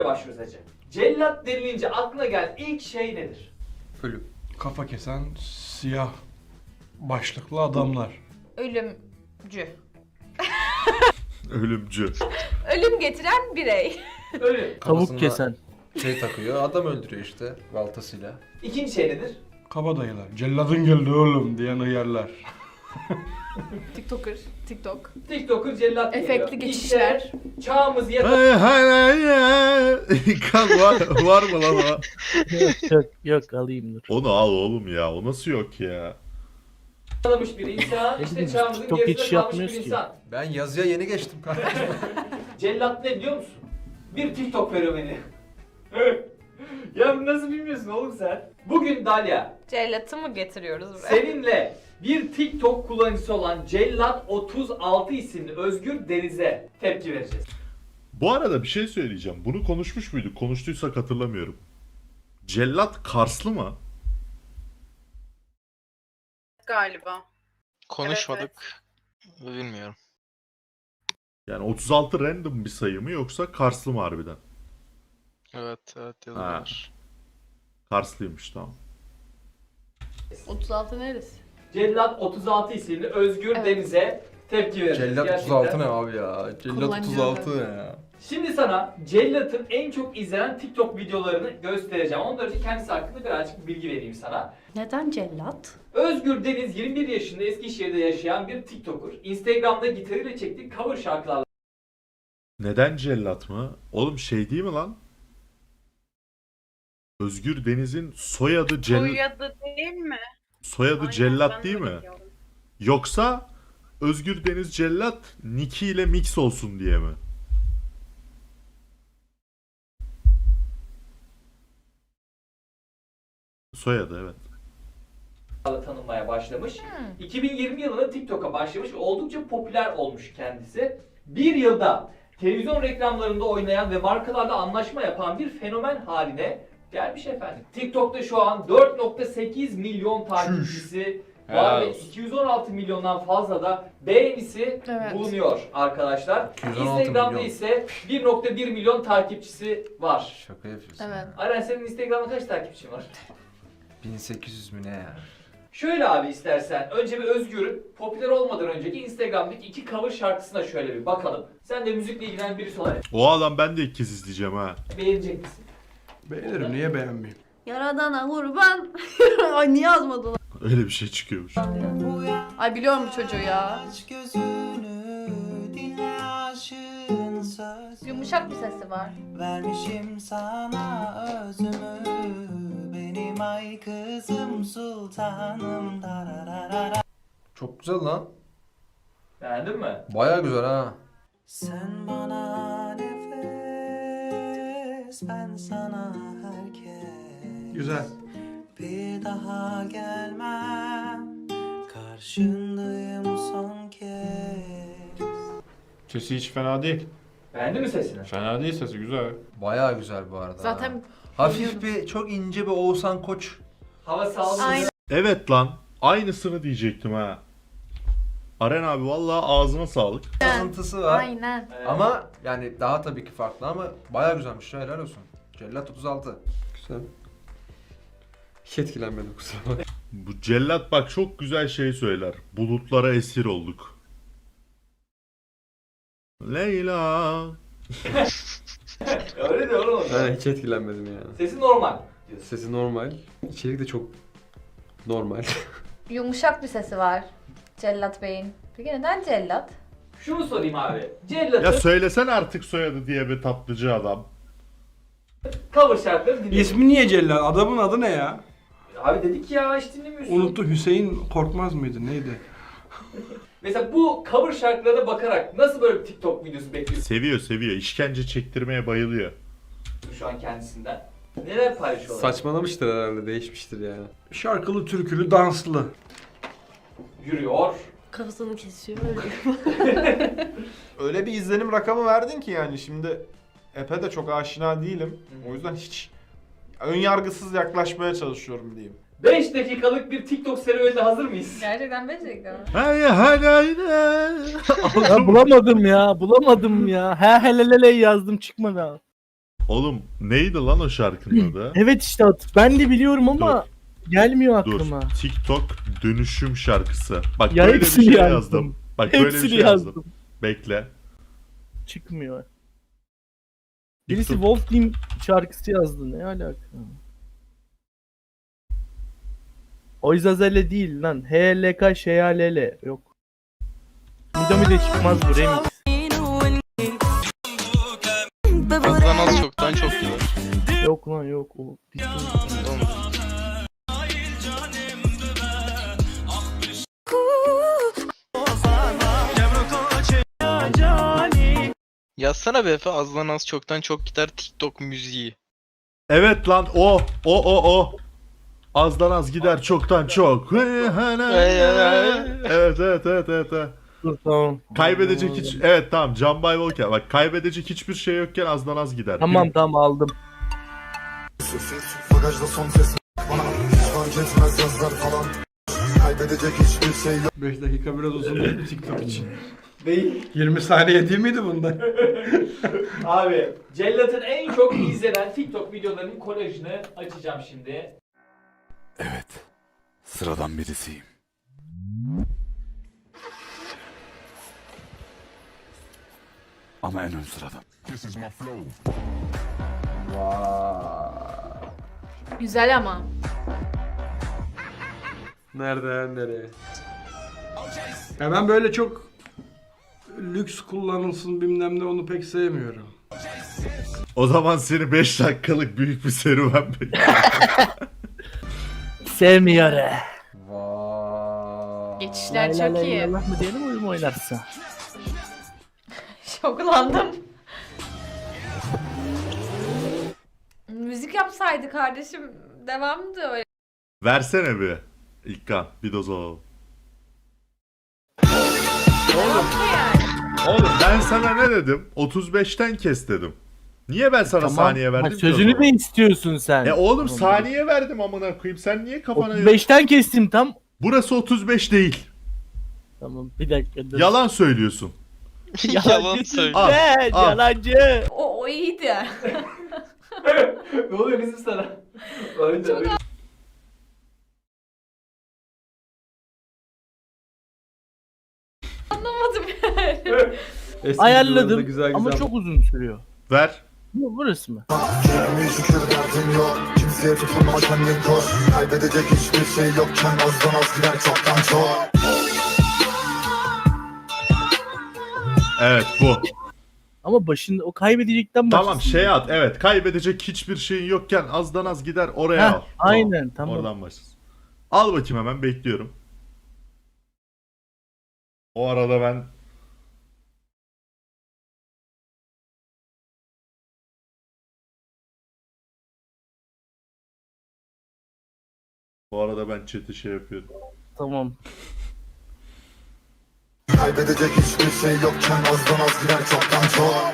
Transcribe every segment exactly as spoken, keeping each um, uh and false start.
başlıyoruz hacı. Cellat denilince aklına gelen ilk şey nedir? Ölüm. Kafa kesen siyah başlıklı adamlar. Ölümcü. Ölümcü. Ölüm getiren birey. Ölüm. Kafasına Tavuk kesen. Şey takıyor, adam öldürüyor işte baltasıyla. İkinci şey nedir? Kabadayılar. Celladın geldi oğlum diyen hıyarlar. TikToker, TikTok. TikToker cellat geliyor. Efektli geçişler. İşte çağımız yakın. Hay hay hay hay. Kan var, var mı lan o? yok yok alayım dur. Onu al oğlum ya. O nasıl yok ya? Yakalamış bir insan. İşte Biz çağımızın TikTok gerisinde geçiş kalmış bir yapmıyoruz ki. insan. Ben yazıya yeni geçtim kardeşim. Cellat ne biliyor musun? Bir TikTok fenomeni. Ya bunu nasıl bilmiyorsun oğlum sen? Bugün Dalia, Cellatı mı getiriyoruz buraya? seninle bir TikTok kullanıcısı olan Cellat otuz altı isimli Özgür Deniz'e tepki vereceğiz. Bu arada bir şey söyleyeceğim. Bunu konuşmuş muyduk? Konuştuysak hatırlamıyorum. Cellat Karslı mı? Galiba. Konuşmadık. Bilmiyorum. Yani otuz altı random bir sayı mı yoksa Karslı mı harbiden? Evet, evet yazıyorlar. Karslıymış tamam. otuz altı neresi? Cellat otuz altı isimli Özgür Evet. Deniz'e tepki vereceğiz. Cellat Gerçekten. otuz altı ne abi ya? Cellat otuz altı ne ya? Şimdi sana Cellat'ın en çok izlenen TikTok videolarını göstereceğim. Ondan önce kendisi hakkında birazcık bilgi vereyim sana. Neden cellat? Özgür Deniz yirmi bir yaşında Eskişehir'de yaşayan bir TikToker. Instagram'da gitarıyla çektiği cover şarkılarla Neden Cellat mı? Oğlum şey değil mi lan? Özgür Deniz'in soyadı Cellat. Soyadı değil mi? Soyadı Aynen, Cellat ben değil de mi? biliyorum. Yoksa Özgür Deniz Cellat Niki ile mix olsun diye mi? Soyadı evet. tanınmaya başlamış. iki bin yirmi yılında TikTok'a başlamış ve oldukça popüler olmuş kendisi. Bir yılda televizyon reklamlarında oynayan ve markalarla anlaşma yapan bir fenomen haline gelmiş efendim. TikTok'ta şu an dört nokta sekiz milyon takipçisi var Helal ve olsun. iki yüz on altı milyondan fazla da beğenisi Evet. bulunuyor arkadaşlar. iki yüz on altı Instagram'da milyon. ise bir nokta bir milyon takipçisi var. Şaka yapıyorsun. Evet. Aren senin Instagram'da kaç takipçin var? bin sekiz yüz mü ne ya? Şöyle abi istersen önce bir Özgür'ün popüler olmadan önceki Instagram'daki iki cover şarkısına şöyle bir bakalım. Sen de müzikle ilgilenen birisi olarak O adam ben de ilk kez izleyeceğim ha. beğenecek misin? Beğenirim niye beğenmeyeyim? Yaradana kurban. Ay niye yazmadın? Öyle bir şey çıkıyormuş. Ay biliyorum bu çocuğu ya. Yumuşak bir sesi var. Vermişim sana özümü, benim ay kızım sultanım dararara. Çok güzel lan. Beğendin mi? Baya güzel ha. Sen bana nefes, ben sana herkes. Güzel. Bir daha gelmem, karşındayım son kez. Sesi hiç fena değil. Beğendin mi sesini? Fena değil, sesi güzel. Baya güzel bu arada. Zaten hafif bir çok ince bir Oğuzhan Koç. Hava sağlığı. Aynen. Evet lan. Aynısını diyecektim ha. Aren abi vallahi ağzına sağlık. Sızıntısı var. aynen. Evet. Ama yani daha tabii ki farklı ama baya güzelmiş ya, helal olsun. Cellat otuz altı. Güzel. Hiç etkilenmedim kusura bakma. Bu Cellat bak çok güzel şey söyler. Bulutlara esir olduk. Leyla. Öyle de oğlum. Ben hiç etkilenmedim yani. Sesi normal diyorsun. Sesi normal. İçerik de çok normal. Yumuşak bir sesi var. Cellat Bey'in. Peki neden cellat? Şunu sorayım abi. Ya Cellat'ın söylesen artık soyadı diye bir tatlıcı adam. cover şarkıları dinliyorsun. İsmi niye Cellat? Adamın adı ne ya? Abi dedik ya hiç dinlemiyorsun. Unuttu, Hüseyin Korkmaz mıydı neydi? Mesela bu cover şarkılarına bakarak nasıl böyle bir TikTok videosu bekliyorsun Seviyor seviyor. İşkence çektirmeye bayılıyor. şu an kendisinden? Neler paylaşıyorlar? Saçmalamıştır herhalde, değişmiştir yani. Şarkılı, türkülü, danslı. Yürüyor. Kafasını kesiyor öyle. Öyle bir izlenim rakamı verdin ki yani şimdi Epe de çok aşina değilim. O yüzden hiç önyargısız yaklaşmaya çalışıyorum diyeyim. beş dakikalık bir TikTok serüvenine hazır mıyız? Gerçekten becerikli. Hay hay hay. Ya bulamadım ya bulamadım ya. He helelele yazdım çıkmadı. Oğlum neydi lan o şarkının adı? Evet işte at- ben de biliyorum ama gelmiyor Dur. aklıma. TikTok dönüşüm şarkısı. Bak Ya böyle bir hepsini şey yazdım. yazdım. Bak böyle bir Hepsini şey yazdım. yazdım. Bekle. Çıkmıyor. Birisi TikTok- Wolf Team şarkısı yazdı. Ne alaka? Oizazele değil lan. H L K Şeyalele. Yok. Midami de çıkmaz bu remix. Azdan az çoktan çok gider. Yok lan yok. O Oğlum, yazsana be Efe, azdan az çoktan çok gider TikTok müziği. Evet lan o o o o. Azdan az gider çoktan çok. Evet evet evet evet. evet. Dur tamam. Kaybedecek hiç evet tamam Can Bay Volker bak kaybedecek hiçbir şey yokken azdan az gider. Tamam tamam aldım. Bagajda son ses bana hiç fark etmez yazlar falan. Kaybedecek hiçbir şey yok. beş dakika biraz uzun değil mi TikTok için? Değil. yirmi saniye değil miydi bunda? Abi Cellat'ın en çok izlenen TikTok videolarının kolajını açacağım şimdi. Evet. Sıradan birisiyim. Ama en ön sıradan. Güzel ama. Nereden nereye? Ya ben böyle çok lüks kullanılsın bilmem ne onu pek sevmiyorum. O zaman seni beş dakikalık büyük bir serüven bekliyor. Sevmiyor. Vay. Geçişler çok iyi. Allah mı diyelim oyun mu oynarsın? Şoklandım. Müzik yapsaydı kardeşim devamdı öyle. Versene bir. İlkan bir doz alalım. Oğlum. Yani. Oğlum ben sana ne dedim? otuz beşten kes dedim. Niye ben sana saniye verdim Ha, ki o sözünü zaman? de istiyorsun sen. E oğlum Tamam. saniye verdim amına koyayım. Sen niye kafana... otuz beşten kestim tam. Burası otuz beş değil. Tamam bir dakika dur. Yalan söylüyorsun. Yalan söylüyor. Al, Sen al. yalancı. O, o iyiydi. Ne oluyor kızım sana? Öyle öyle. Anlamadım yani. Eski videolarda Ayarladım güzel ama güzel. çok uzun sürüyor. Ver. Bu burası mı? Keyfime şükür derdim yok. Kimseye tutunma kendin koş. Kaybedecek hiçbir şey yokken azdan az gider çoktan çok. Evet bu. Ama başında o kaybedecekten başlasın. Tamam şey at. Evet kaybedecek hiçbir şeyin yokken azdan az gider oraya Heh, al. aynen, tamam. Oradan başlasın. Al bakayım hemen bekliyorum. O arada ben Bu arada ben chat'i şey yapıyorum. Tamam. Kaybedecek hiçbir şey yokken azdan az gider çoktan çok.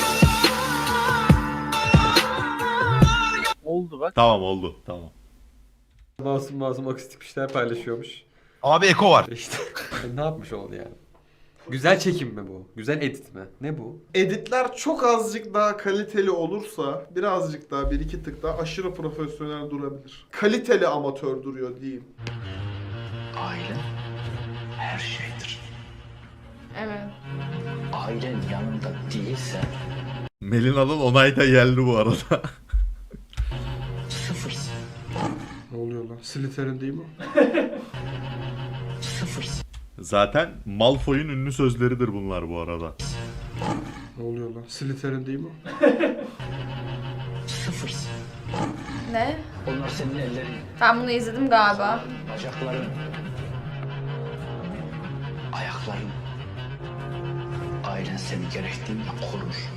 Oldu bak. Tamam oldu. Tamam. Masum masum akustik bir şeyler paylaşıyormuş. Abi eko var. İşte ne yapmış oldu yani? Güzel çekim mi bu? Güzel edit mi? Ne bu? Editler çok azıcık daha kaliteli olursa birazcık daha bir iki tık daha aşırı profesyonel durabilir. Kaliteli amatör duruyor diyeyim. Aile her şeydir. Evet. Ailen yanında değilse Melina'nın onay da geldi bu arada. sıfırsın. Ne oluyor lan? Slytherin değil mi? Sıfırsın. Zaten Malfoy'un ünlü sözleridir bunlar bu arada. Ne oluyor lan? Slytherin değil mi? Sıfırsın. Ne? Onlar senin ellerin, Ben bunu izledim galiba. bacakların, ayakların. Ailen seni gerektiğinde korur.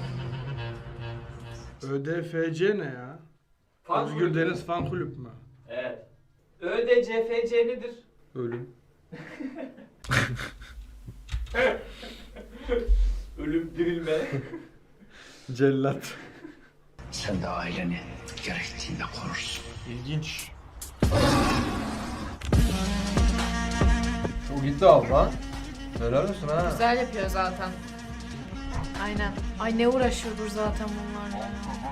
Ö D F C ne ya? Fan Özgür kulübü. Deniz Fan Kulüp mü? Evet. Ö D C F C nedir? Ölüm. Ölüm, dirilme. Cellat. Sen de aileni gerektiğinde korursun. İlginç. O gitti abla. Helal olsun ha. Güzel yapıyor zaten. Aynen. Ay ne uğraşıyordur zaten bunlar.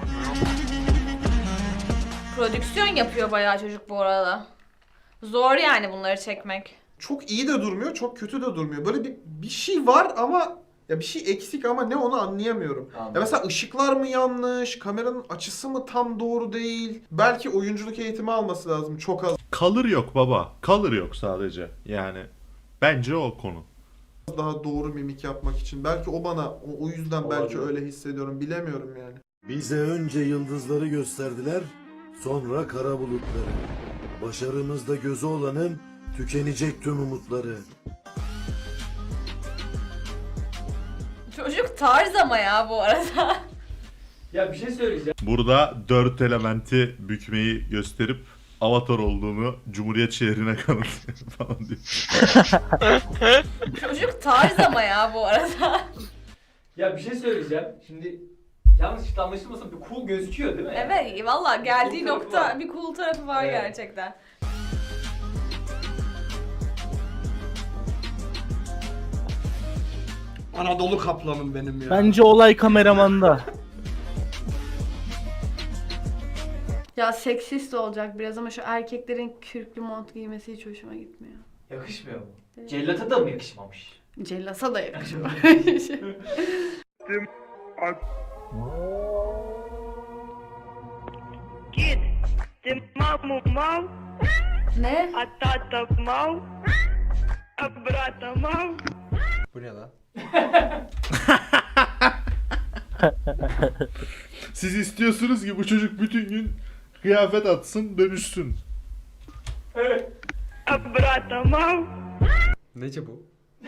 Prodüksiyon yapıyor bayağı çocuk bu arada. Zor yani bunları çekmek. Çok iyi de durmuyor, çok kötü de durmuyor. Böyle bir bir şey var ama ya bir şey eksik ama ne onu anlayamıyorum. Anladım. Ya mesela ışıklar mı yanlış, kameranın açısı mı tam doğru değil? Belki oyunculuk eğitimi alması lazım çok az. Color yok baba. Color yok sadece. Yani bence o konu. Daha doğru mimik yapmak için. Belki o bana o, o yüzden belki Olabilir. öyle hissediyorum. Bilemiyorum yani. Bize önce yıldızları gösterdiler, sonra kara bulutları. Başarımızda gözü olanın tükenecek tüm umutları. Çocuk tarz ama ya bu arada. Ya bir şey söyleyeceğim. Burada dört elementi bükmeyi gösterip Avatar olduğunu Cumhuriyet şehrine kanıtlıyor falan diyor. Çocuk tarz ama ya bu arada. Ya bir şey söyleyeceğim. Şimdi yanlış anlaşılmasın bir cool gözüküyor değil mi? Evet valla geldiği Cool tarafı nokta var. bir cool tarafı var Evet. gerçekten. Anadolu kaplanım benim ya. Bence olay kameramanda. Ya seksist olacak biraz ama şu erkeklerin kürklü mont giymesi hiç hoşuma gitmiyor. Yakışmıyor mu? Cellata da mı yakışmamış? Cellasa da yakışıyor. ne? Bu ne lan? Siz istiyorsunuz ki bu çocuk bütün gün kıyafet atsın, dönüşsün. Nece bu?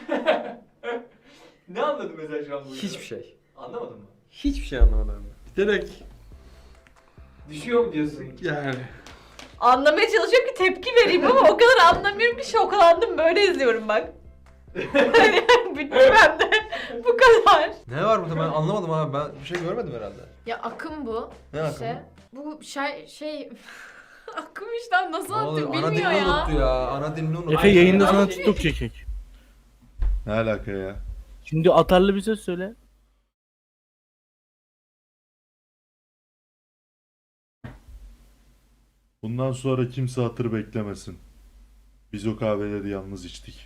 Ne anladın mesela şu an bu? Hiçbir şey. Anlamadın mı? Hiçbir şey anlamadım. Direkt Düşüyor mu diyorsun? yani. Anlamaya çalışıyorum ki tepki vereyim ama o kadar anlamıyorum ki şokalandım böyle izliyorum bak. Hani bitti bende. Bu kadar. Ne var burada ben anlamadım abi. Ben bir şey görmedim herhalde. Ya akım bu. Ne akımı? İşte. Bu şey şey akım işte nasıl Ne oluyor? anlatayım Ana dilini bilmiyor ya. unuttu ya. Ana dilini unuttu. Efe yayında sana TikTok çekecek. Ne alaka ya? Şimdi atarlı bir söz söyle. Bundan sonra kimse hatır beklemesin. Biz o kahveleri yalnız içtik.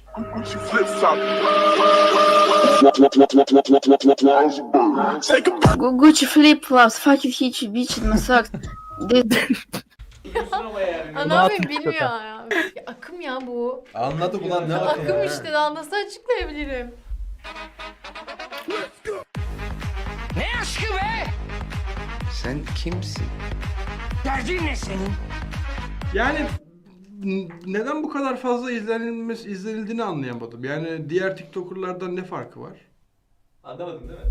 Gucci flip flops fakir hiç biç masak. Biliyorsun ama yani. Ana abi bilmiyor ya. Akım ya bu. Anladık ulan ne akımı Akım ya? işte daha nasıl açıklayabilirim? Sen kimsin? Yani n- neden bu kadar fazla izlenilmesi izlenildiğini anlayamadım. Yani diğer TikToker'lardan ne farkı var? Anlamadın değil mi?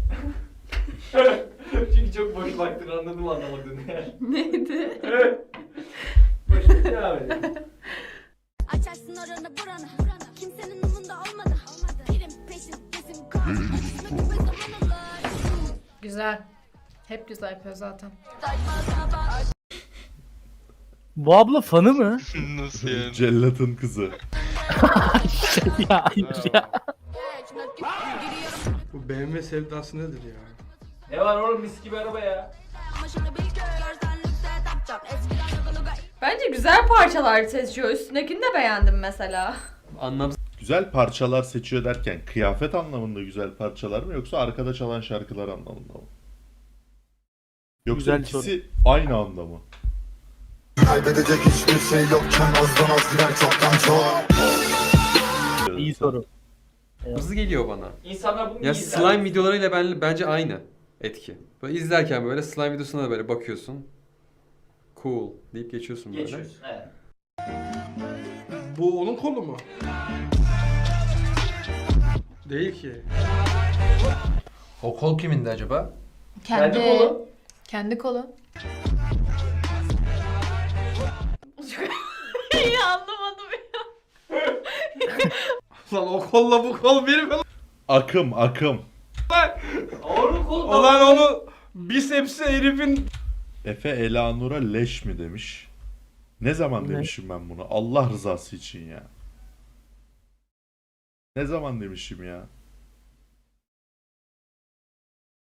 Çünkü çok boş baktın anladım anlamadığını yani. Neydi? Boş ver, devam edelim. Açarsın oranı buranı. Kimsenin umunda olmadı. Pirim peşin kesim kan. Güzel. Hep güzel yapıyor zaten. Bu abla fanı mı? Nasıl yani? Cellat'ın kızı. ya hayır ya. Bu B M W sevdası nedir ya? Ne var oğlum mis gibi araba ya. Bence güzel parçalar seçiyor. Üstündekini de beğendim mesela. Anlamsız. Güzel parçalar seçiyor derken kıyafet anlamında güzel parçalar mı yoksa arkada çalan şarkılar anlamında mı? Yoksa Güzel ikisi aynı anda mı? Kaybedecek hiçbir şey yokken azdan az gider çoktan çok. İyi soru. Hızlı geliyor bana. İnsanlar bunu Ya iyi izler. slime videolarıyla ben, bence aynı etki. Böyle izlerken böyle slime videosuna da böyle bakıyorsun. Cool deyip geçiyorsun böyle. Geçiyorsun evet. Bu onun kolu mu? Değil ki. O kol kimindi acaba? Kendi kolu. Kendi kolu. İyi anlamadım ya. Lan o kolla bu kol bir mi? Akım akım. Onun kolu. Ulan onu bisepsi herifin... Efe Elanur'a leş mi demiş. Ne zaman Ne? demişim ben bunu? Allah rızası için ya. Ne zaman demişim ya?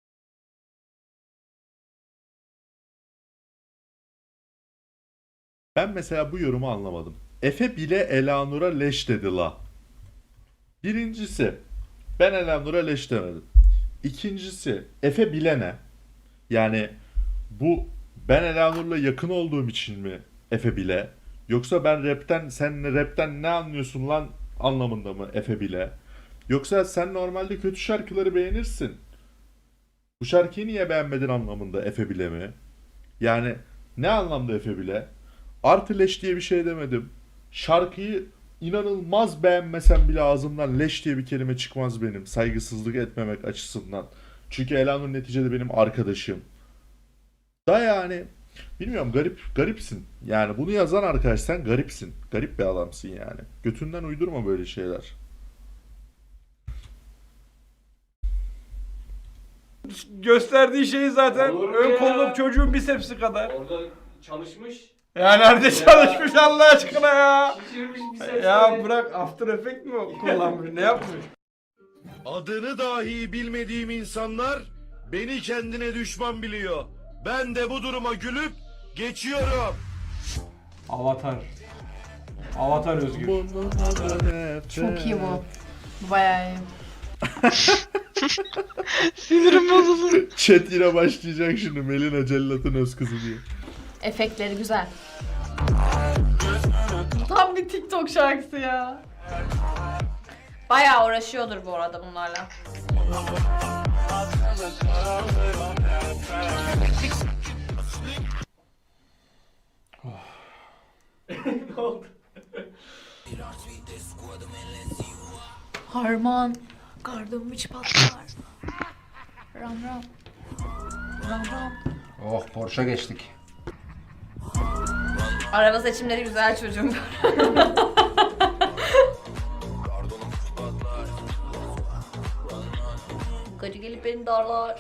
Ben mesela bu yorumu anlamadım. Efe bile Elanur'a leş dedi la. Birincisi, ben Elanur'a leş demedim. İkincisi, Efe bile ne? Yani bu ben Elanur'la yakın olduğum için mi Efe bile? Yoksa ben rapten, sen rapten ne anlıyorsun lan anlamında mı Efe bile? Yoksa sen normalde kötü şarkıları beğenirsin. Bu şarkıyı niye beğenmedin anlamında Efe bile mi? Yani ne anlamda Efe bile? Artı leş diye bir şey demedim. Şarkıyı inanılmaz beğenmesem bile ağzımdan leş diye bir kelime çıkmaz benim. Saygısızlık etmemek açısından. Çünkü Elanur neticede benim arkadaşım. Da yani bilmiyorum, garip garipsin. Yani bunu yazan arkadaş sen garipsin. Garip bir adamsın yani. Götünden uydurma böyle şeyler. Gösterdiği şey zaten Olur mu ön ya? kolluk çocuğun bisepsi kadar. Orada çalışmış. Ya nerede çalışmış Allah aşkına ya? Şişirmiş bir ses. Ya bırak, After Effect mi kullanmış? Ne yapmış? Adını dahi bilmediğim insanlar beni kendine düşman biliyor. Ben de bu duruma gülüp geçiyorum. Avatar. Avatar Özgür. Çok iyi bu. Bayağı iyi. Sinirim bozuldu. Chat yine başlayacak şimdi Melina Cellat'ın öz kızı diye. Efektleri güzel. Tam bir TikTok şarkısı ya. Bayağı uğraşıyordur bu arada bunlarla. Ne oldu? Harman. Kardım hiç patlar. Ram ram. Ram ram. Oh Porsche geçtik. Araba seçimleri güzel çocuğum. Gacı gelip beni darlar.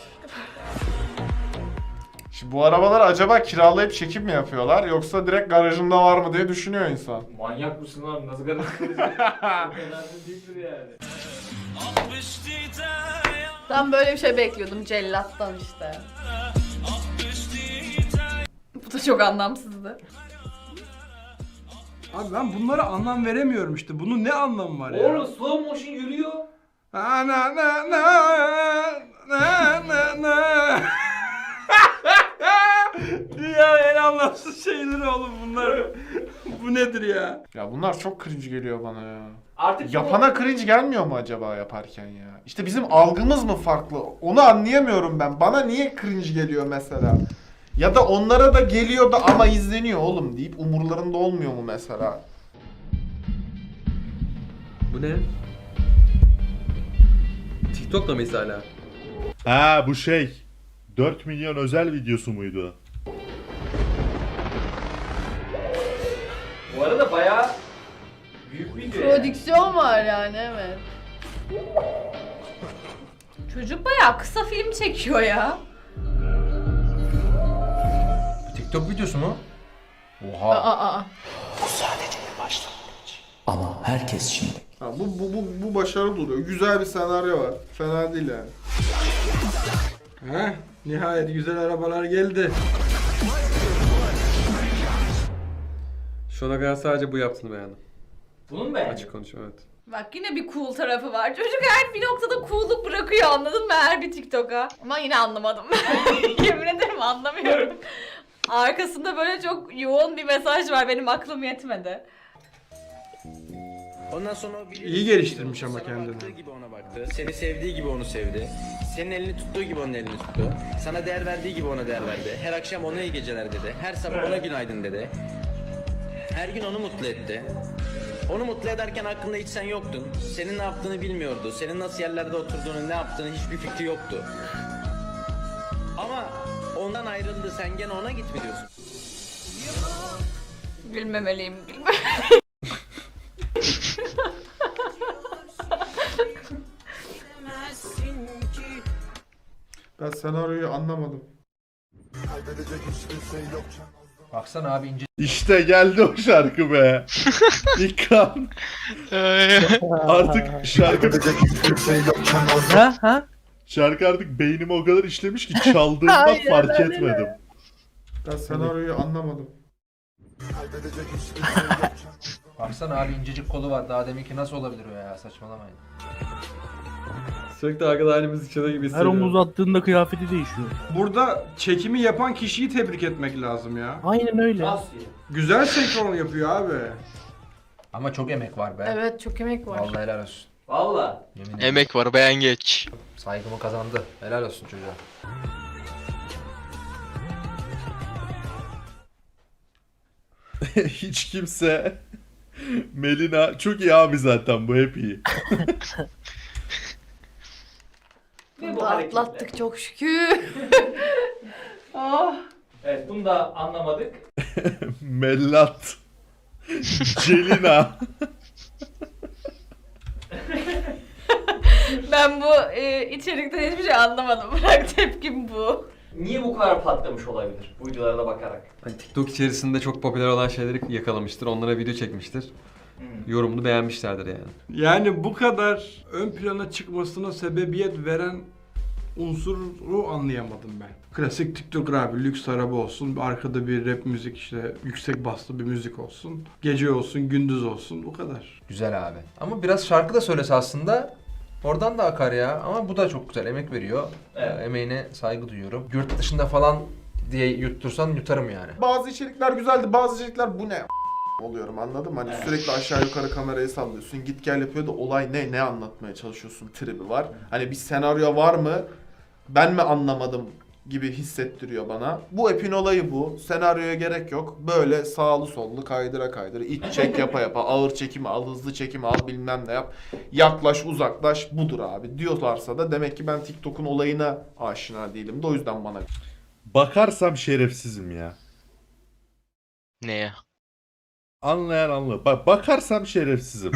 Şimdi bu arabalar acaba kiralayıp çekim mi yapıyorlar yoksa direkt garajında var mı diye düşünüyor insan. Manyak mısın lan? Nasıl garip? Önemli değildir yani. Ben böyle bir şey bekliyordum cellattan işte. Bu da çok anlamsızdı. Abi ben bunlara anlam veremiyorum işte. Bunun ne anlamı var ya? Oğlum slow motion yürüyor. Na na na na na na na. Ya en anlamsız şeyler oğlum bunlar. Bu nedir ya? Ya bunlar çok cringe geliyor bana ya. Artık Yapana cringe gelmiyor mu acaba yaparken ya? İşte bizim algımız mı farklı? Onu anlayamıyorum ben. Bana niye cringe geliyor mesela? Ya da onlara da geliyor da ama izleniyor oğlum deyip umurlarında olmuyor mu mesela? Bu ne? TikTok'ta mıyız hala? Ha bu şey dört milyon özel videosu muydu? bu arada bayağı büyük video yani. Prodüksiyon var yani, evet. Çocuk bayağı kısa film çekiyor ya. Bu TikTok videosu mu? Aa, Oha. aa, aa. Ha, bu, bu, bu, bu başarılı duruyor. Güzel bir senaryo var. Fena değil yani. Heh, nihayet güzel arabalar geldi. Şu ana kadar sadece bu yaptığını beğendim. Bunun mu beğendin? Açık konuşayım, evet. Bak yine bir cool tarafı var. Çocuk her bir noktada cool'luk bırakıyor, anladın mı, her bir TikTok'a. Ama yine anlamadım. Yemin ederim anlamıyorum. Arkasında böyle çok yoğun bir mesaj var, benim aklım yetmedi. Ondan sonra o biri İyi geliştirmiş ama sana kendini. baktığı gibi ona baktı. Seni sevdiği gibi onu sevdi. Senin elini tuttuğu gibi onun elini tuttu. Sana değer verdiği gibi ona değer verdi. Her akşam ona iyi geceler dedi. Her sabah ona günaydın dedi. Her gün onu mutlu etti. Onu mutlu ederken aklında hiç sen yoktun. Senin ne yaptığını bilmiyordu. Senin nasıl yerlerde oturduğunu, ne yaptığını hiçbir fikri yoktu. Ama ondan ayrıldı. Sen gene ona git mi diyorsun? Gülmemeliyim, gülmemeliyim. Ben senaryoyu anlamadım. Baksana abi ince. İşte geldi o şarkı be. İkram. Artık şarkı Ha ha? şarkı artık beynime o kadar işlemiş ki çaldığımda Aynen fark öyle. etmedim. Ben senaryoyu anlamadım. Baksana abi incecik kolu var. Daha deminki nasıl olabilir o ya? Saçmalamayın. Sürekli arkada halimiz içinde gibi Her hissediyorum. omuz attığında kıyafeti değişiyor. Burada çekimi yapan kişiyi tebrik etmek lazım ya. Aynen öyle. Nasıl ya? Güzel senkron yapıyor abi. Ama çok emek var be. Evet çok emek var. Vallahi helal olsun. Valla. Yemin ederim. Emek var beğen geç. Saygımı kazandı. Helal olsun çocuğa. Hiç kimse Melina çok iyi abi zaten bu hep iyi. Ve bu Bunu hareketle. atlattık çok şükür. Ah. Evet bunu da anlamadık. Mellat. Celina. Ben bu e, içerikten hiçbir şey anlamadım. Bırak tepkim bu. Niye bu kadar patlamış olabilir bu videolara da bakarak? Hani TikTok içerisinde çok popüler olan şeyleri yakalamıştır. Onlara video çekmiştir. Hmm. Yorumunu beğenmişlerdir yani. Yani bu kadar ön plana çıkmasına sebebiyet veren unsuru anlayamadım ben. Klasik TikToker abi, lüks araba olsun, arkada bir rap müzik, işte yüksek baslı bir müzik olsun, gece olsun, gündüz olsun, bu kadar. Güzel abi. Ama biraz şarkı da söylese aslında oradan da akar ya. Ama bu da çok güzel. Emek veriyor. Evet. Ee, Emeğine saygı duyuyorum. Yurt dışında falan diye yuttursan yutarım yani. Bazı içerikler güzeldi, bazı içerikler bu ne oluyorum, anladın mı? Hani Evet. sürekli aşağı yukarı kamerayı sallıyorsun, git gel yapıyor da olay ne, ne anlatmaya çalışıyorsun tribi var. Hani bir senaryo var mı, ben mi anlamadım gibi hissettiriyor bana. Bu app'in olayı bu. Senaryoya gerek yok. Böyle sağlı sollu kaydıra kaydıra, iç çek yapa yapa, ağır çekimi al, hızlı çekimi al, bilmem ne yap. Yaklaş uzaklaş budur abi diyorlarsa da demek ki ben TikTok'un olayına aşina değilim de o yüzden bana. Bakarsam şerefsizim ya. Neye? Anlayan anlar. Bak bakarsam şerefsizim.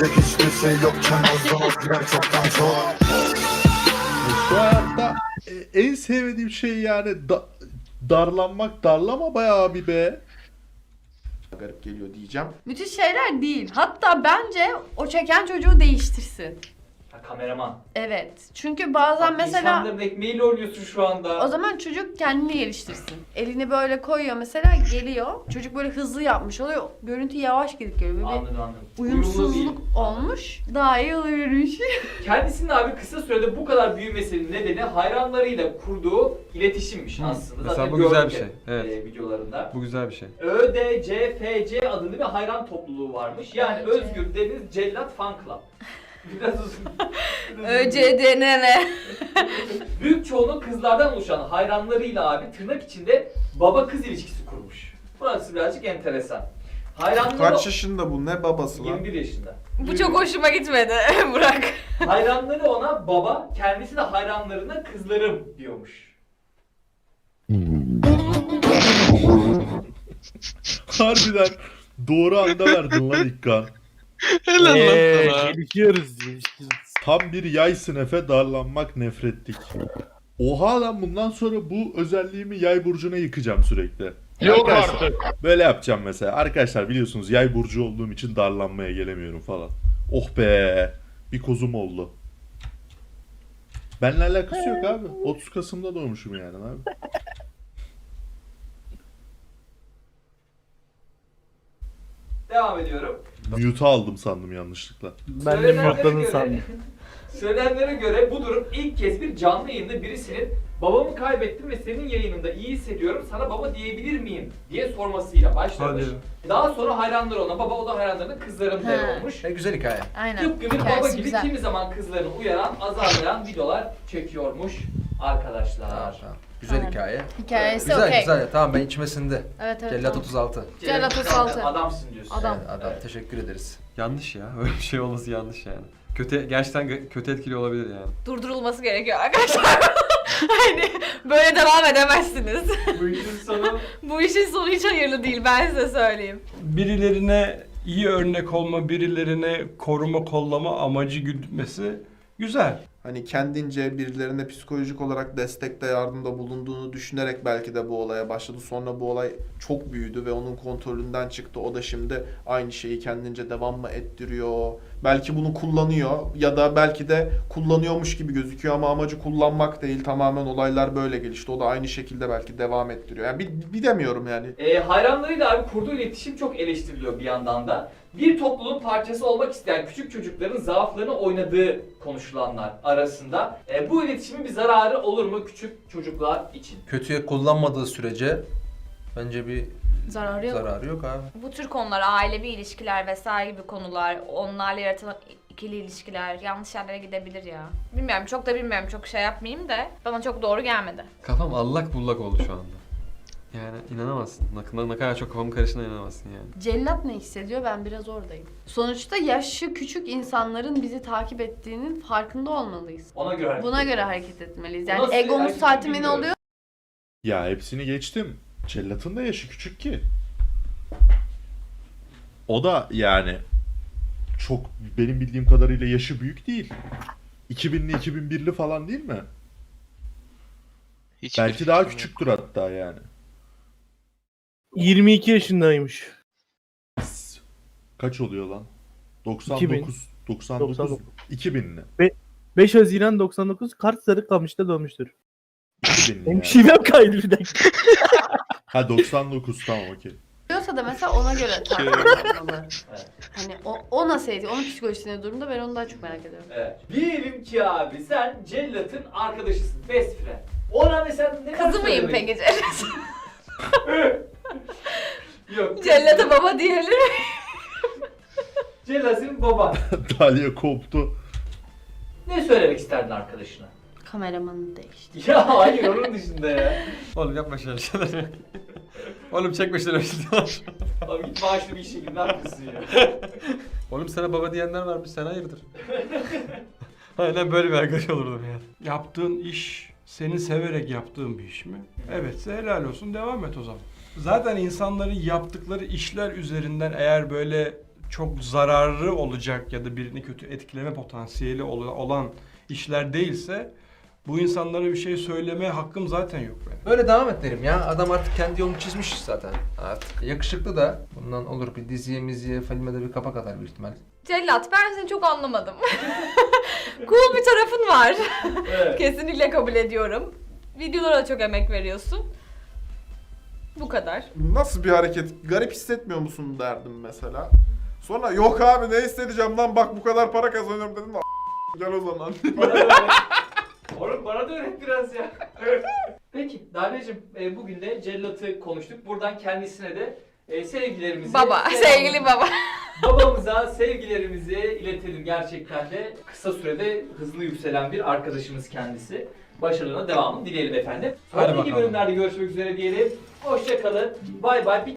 Şu hayatta e, en sevmediğim şey yani da- darlanmak, darlama bayağı bir be. Garip geliyor diyeceğim. Müthiş şeyler değil. Hatta bence o çeken çocuğu değiştirsin. Ha, kameraman. Evet. Çünkü bazen Bak, mesela İnsanların ekmeğiyle oynuyorsun şu anda. o zaman çocuk kendini geliştirsin. Elini böyle koyuyor mesela, geliyor. Çocuk böyle hızlı yapmış oluyor. Görüntü yavaş gidip geliyor. Böyle bir Anladım anladım. Uyumlu uyumsuzluk değil. olmuş. Daha iyi oluyormuş. Kendisinin abi kısa sürede bu kadar büyümesinin nedeni hayranlarıyla kurduğu iletişimmiş Hı. aslında. Mesela Zaten bu güzel gördük bir şey, hep, evet. e, videolarında. Bu güzel bir şey. Ö D C F C adında bir hayran topluluğu varmış. Yani Ö C. Özgür Deniz Cellat Fan Club. Biraz uzun. Biraz Ö uzun. C D N N. Büyük çoğunluğu kızlardan oluşan hayranlarıyla abi tırnak içinde baba kız ilişkisi kurmuş. Burası birazcık enteresan. Hayranları Kaç yaşında bu? Ne babası lan? yirmi bir yaşında. Bu çok hoşuma gitmedi. Bırak. Hayranları ona baba, kendisi de hayranlarına kızlarım diyormuş. Harbiden doğru anda verdin lan İkkan. Helal Eee lan sana. gelişiyoruz. gelişiyoruz. Tam bir yaysın Efe, darlanmak nefretlik. Oha lan, bundan sonra bu özelliğimi yay burcuna yıkacağım sürekli. Yok Arkadaşlar, artık. böyle yapacağım mesela. Arkadaşlar biliyorsunuz yay burcu olduğum için darlanmaya gelemiyorum falan. Oh be, bir kozum oldu. Benimle alakası yok abi. otuz Kasım'da doğmuşum yani abi. Devam ediyorum. Mute'u aldım sandım yanlışlıkla. Ben de Söylenenlere mutluluğunu göre- sandım. Söylenenlere göre bu durum ilk kez bir canlı yayında birisinin babamı kaybettim ve senin yayınında iyi hissediyorum, sana baba diyebilir miyim diye sormasıyla başlamış. Hadi. Daha sonra hayranları ona baba, o da hayranlarına kızlarım der He. olmuş. E, güzel hikaye. Aynen. Tıpkı bir baba Hikayesi gibi güzel. kimi zaman kızlarını uyaran, azarlayan videolar çekiyormuş arkadaşlar. Tamam, tamam. Güzel Aynen. hikaye. Hikayesi Güzel okey. güzel. Tamam, ben içime sindi. Evet evet. Cellat tamam. otuz altı. Cellat Cem, otuz altı. Adamsın diyorsun. Adam. Evet, adam. Evet. Teşekkür ederiz. Yanlış ya. Öyle bir şey olması yanlış yani. Kötü, gerçekten gö- kötü etkili olabilir yani. Durdurulması gerekiyor arkadaşlar. Hani böyle devam edemezsiniz. Bu işin sonu Bu işin sonu hiç hayırlı değil, ben size söyleyeyim. Birilerine iyi örnek olma, birilerine koruma, kollama amacı gütmesi güzel. Hani kendince birilerine psikolojik olarak destekte, yardımda bulunduğunu düşünerek belki de bu olaya başladı. Sonra bu olay çok büyüdü ve onun kontrolünden çıktı. O da şimdi aynı şeyi kendince devam mı ettiriyor, Belki bunu kullanıyor ya da belki de kullanıyormuş gibi gözüküyor ama amacı kullanmak değil. Tamamen olaylar böyle gelişti. O da aynı şekilde belki devam ettiriyor. Yani bir, bilemiyorum yani. E, hayranlarıyla abi kurduğu iletişim çok eleştiriliyor bir yandan da. Bir topluluğun parçası olmak isteyen küçük çocukların zaaflarını oynadığı konuşulanlar arasında. E, bu iletişimin bir zararı olur mu küçük çocuklar için? Kötüye kullanmadığı sürece bence bir Zararı yok. zararı yok abi. Bu tür konular, ailevi ilişkiler vesaire gibi konular, onlarla yaratılan ikili ilişkiler yanlış yerlere gidebilir ya. Bilmiyorum, çok da bilmiyorum, çok şey yapmayayım da bana çok doğru gelmedi. Kafam allak bullak oldu şu anda. Yani inanamazsın. Ne, ne kadar çok kafam karıştığına inanamazsın yani. Cellat ne hissediyor? Ben biraz oradayım. Sonuçta yaşı küçük insanların bizi takip ettiğinin farkında olmalıyız. Ona göre hareket Buna edelim. göre hareket etmeliyiz. Nasıl Yani egomuz hareket tatmin bilmiyorum. oluyor. Ya hepsini geçtim. Cellat'ın da yaşı küçük ki. O da yani çok benim bildiğim kadarıyla yaşı büyük değil. iki binli iki bin birli falan değil mi? Hiçbir Belki daha fikrim yok. küçüktür hatta yani. yirmi iki yaşındaymış. Kaç oluyor lan? doksan iki bin. dokuz, doksan dokuz, doksan dokuz. iki binli. beş Haziran doksan dokuz Kars Sarıkamış'ta doğmuştur. iki binli Benim yani. şivem kaydı bir dakika. Ha doksan dokuz tamam okey. Diyorsa da mesela ona göre takip olmalı. Hani o, o nasıl ediyor? Onun psikolojisine durumda ben onu daha çok merak ediyorum. Evet. Diyelim ki abi sen Cellat'ın arkadaşısın, best friend. Ona mesela ne Kızı mıyım peki Cellat? Yok. Cellat'a baba diyelim. Cellat senin baban. Dalia koptu. Ne söylemek isterdin arkadaşına? Kameramanı değişti. Ya hayır onun dışında ya. Oğlum yapma şöyle şeyler. Oğlum çekme şöyle şeyler. Abi git maaşlı bir işe gir, ne yapıyorsun ya? Oğlum sana baba diyenler varmış, sen hayırdır? Aynen böyle bir arkadaş olurdum yani. Yaptığın iş senin severek yaptığın bir iş mi? Evetse helal olsun, devam et o zaman. Zaten insanların yaptıkları işler üzerinden eğer böyle çok zararlı olacak ya da birini kötü etkileme potansiyeli ol- olan işler değilse bu insanlara bir şey söyleme hakkım zaten yok benim. Böyle devam et derim ya. Adam artık kendi yolunu çizmiş zaten. Artık yakışıklı da. Bundan olur bir diziye, miziye, filme de bir kapak atar büyük ihtimal. Cellat, ben seni çok anlamadım. Cool bir tarafın var. Evet. Kesinlikle kabul ediyorum. Videolara çok emek veriyorsun. Bu kadar. Nasıl bir hareket? Garip hissetmiyor musun derdim mesela. Sonra yok abi ne hissedeceğim lan bak bu kadar para kazanıyorum dedim de gel o zaman. Bana da öğret. Oğlum bana da öğret biraz ya. Peki Dalia'cığım e, bugün de Cellat'ı konuştuk. Buradan kendisine de e, sevgilerimizi... Baba, selamımızı- sevgili baba. Babamıza sevgilerimizi iletelim, gerçekten de kısa sürede hızlı yükselen bir arkadaşımız kendisi. Başarılarına devamını dileyelim efendim. Hadi Sonraki bakalım. bölümlerde görüşmek üzere diyelim. Hoşça kalın. Bay bay.